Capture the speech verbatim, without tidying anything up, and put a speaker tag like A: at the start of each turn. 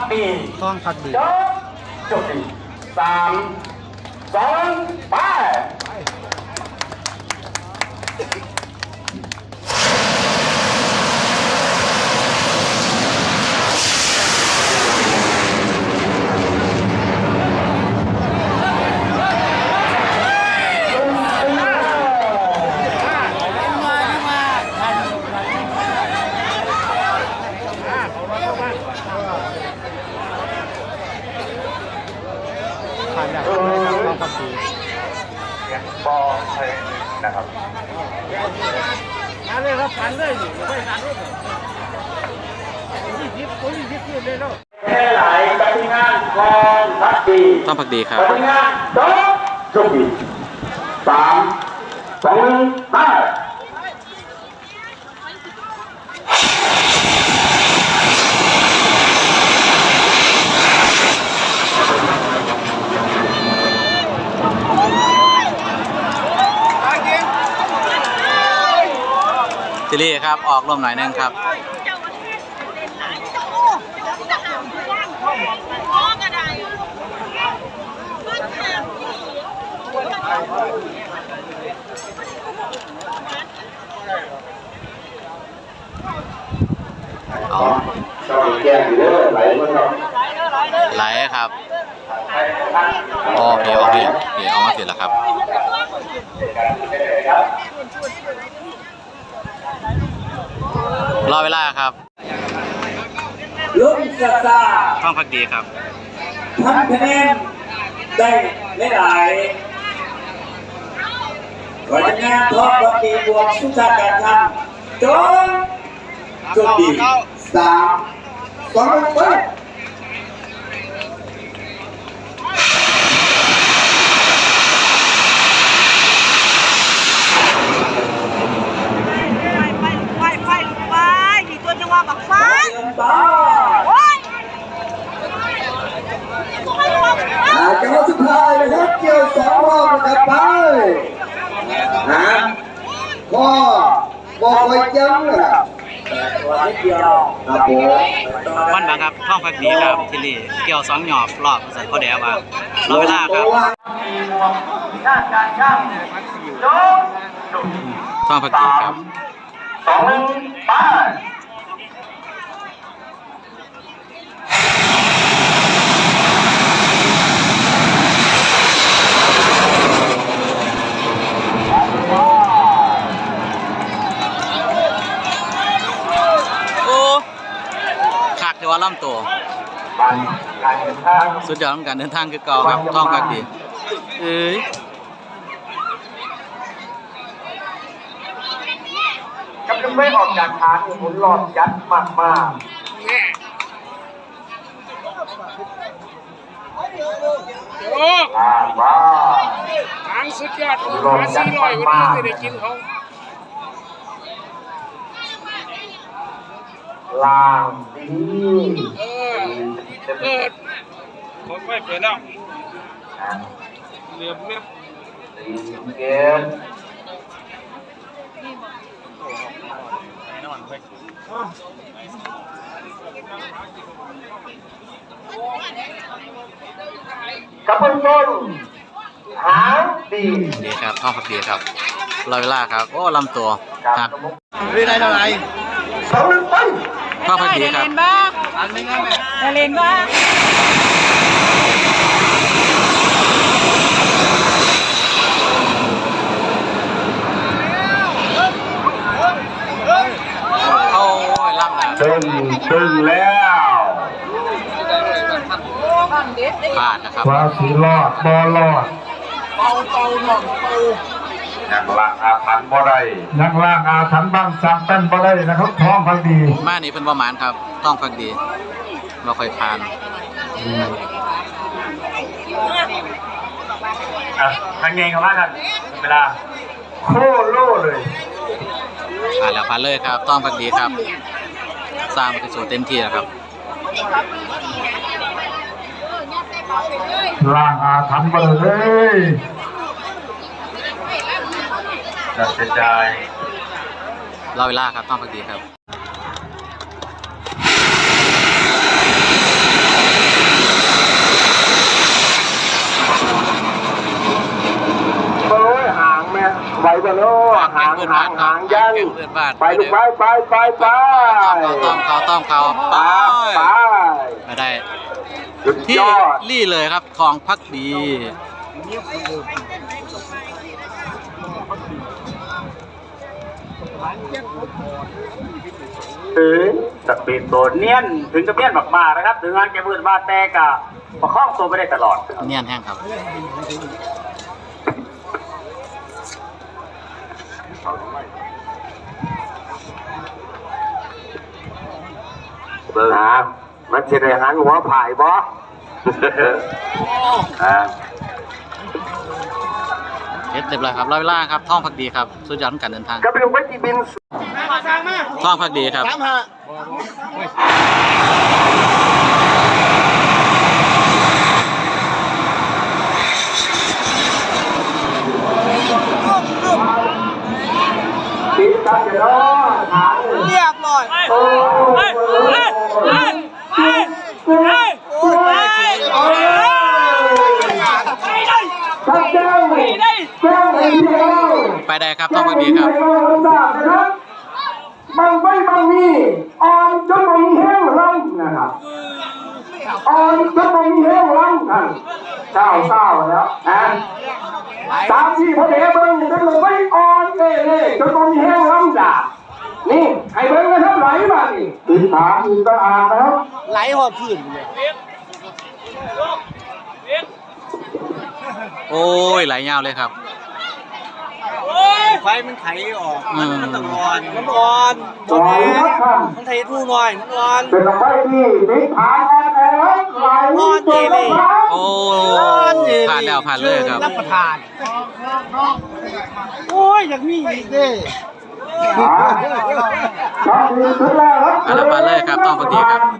A: ดี
B: ต้องพักดี
A: จบดีสามสองไป
B: ผ่านแบบนี้ครับต้องพักดี
A: บอลใช่นะครับ
C: มาเลยครับผ่านเลยอยู่ไม่ผ่านรถยี่สิบคนยี่สิบขึ้นเลยแล้ว
A: แค่ไหลปฏิงานกองพักดี
D: ต้องพักดีครับ
A: ปฏิงานสองจบดีสามสองหนึ่งไป
D: ซิลี่ครับออกลมหน่อยนึงครับ
A: อ๋อชอบแก้มอยู่เด้อไหลมั้งครับ
D: ไหลครับโอเคโอเคโอเคเอามาเสร็จแล้วครับรอเวลาครับ
A: ลุงซาซา
D: ต้องพักดีครับ
A: ทำคะแนนได้ไม่หลายวันงานทอดพักดีบวกสุชาติการทำจนจบดีสามสองหนึ่งไปจังหวะสุดท้ายนะครับเกี่ยวสองรอบนะครับไปนะก็บอกไว้จังเลย
D: วันบังครับท่องพักดีครับซิลี่เกี่ยวสองหยอบรอบสัตว์ข้อเดียวว่ารอเวลาครับท่องพักดีครับ
A: สองหนึ่งไป
D: เดี๋ยวว่าล่ำตัวสุดยอดของการเดินทางคือเก่าครับท่องพักดีเอ้ย
A: กำลังไม่ออกจากฐานหมุนหลอดยัดมากมาก
C: โอ้
A: ว้า
C: ทางสุดยอดหาสี่ร้อยวันนี้จะได้กินเขา
A: ลางดี
C: เออเปิดผมไม่เปิดแล้วเหลือเม็ด
A: ดีเกนกับเบื้องต้นหางดี
D: ดีครับท่องพักดีครับรอเวลาครับโอ้ลำตัวครับ
B: เรียนได้เท่าไหร่
A: สองหนึ่งไป
D: ท่องพักดีครับ
B: อันนึงนะแม่
C: ได้เล่นบ้าง
D: โอ้ยล่ำนะ
A: ตึงตึงแล้ว
D: พลาดนะครับ
A: ว่าสีรอดบอลอดเป่าเป่าหน่องเป่ายังล่างอาถรรพ์บ่ได้ยังล่างอาถรรพ์บ้างสร้างเป็นบ่ได้นะครับท้องพักดี
D: มานี่เป็นประมาณครับท้องพักดีเราค่อยทาน
A: อ่ะทางเงงเขาว่ากันเวลาโคโล่เลย
D: ผ่านแล้วผ่านเลยครับท้องพักดีครับสร้างมันสูเต็มที่แล้วครับ
A: ล่างอาถรรพ์บ่ได้เลยจะเสียใจ
D: รอเวลาครับท้องพักดีครับพื้นบ้านครับแกงพื้นบ้าน
A: ไปลูกไปไปไปไป
D: ต้อมเขาต้อมเขาไป
A: ไป
D: ไม่ได้
A: สุด
D: ที่
A: ยอด
D: รี่เลยครับทองพักดี
E: ถึงสปีดโซนเนียนถึงจะเนียนมากๆนะครับ ถึงงานแกมืดมาแต่กะประคองตัวไม่ได้ตลอด
D: เนียนแห้งครับ
A: เบิ่งนะมันจะได้หันหัวผายบ่ อ่า
D: เฮ็ดเรียบร้อยครับร้อยเวลาครับท่องพักดีครับสุดยอดของการเดินทาง
A: ก็ไปดูไปจีบิน
D: ท่องพักดีครับ
A: ติดกันเนาะหาเลย
B: เรียบร้อย
A: โอ้ย
B: โอ้ยไปเฉย
A: ท่านเจ้าเจ้าเองเดียว
D: ไปได้ครับท่องพักดีครับ
A: บางไม่บางมีอ่อนจนบางมีแห้งร่างนะครับอ่อนจนบางมีแห้งร่างกันเศร้าเศร้าแล้วนะตามที่พระเดชเบิ้งจนมันไม่อ่อนเล่เล่จนบางมีแห้งร่างจ้ะนี่ไอ้เบิ้งนะครับไหลมานี่ติดขาติดตาอ่างนะครับ
B: ไหลหอบพื้นเลย
D: โอ้ยไหลยาวเลยครับ
B: ไฟมันไขออก
D: อืม
B: มันต้องอ่อนมันอ่อน
A: อ่อนครับ
B: มันไทยทู่หน่อยมันอ่อน
A: เป็นลำไส้ที่ติดขาอ่อนแอไหลตัวลงมา
D: โอ้ผ่านแล้วผ่านเลยครับ
B: รับประทาน โอ้ยอยากมีอีกเด้
A: อ่าชอบดีขึ้นแล้วครับ
D: ผ่านแล้วผ่านเลยครับท่องพักดีครับ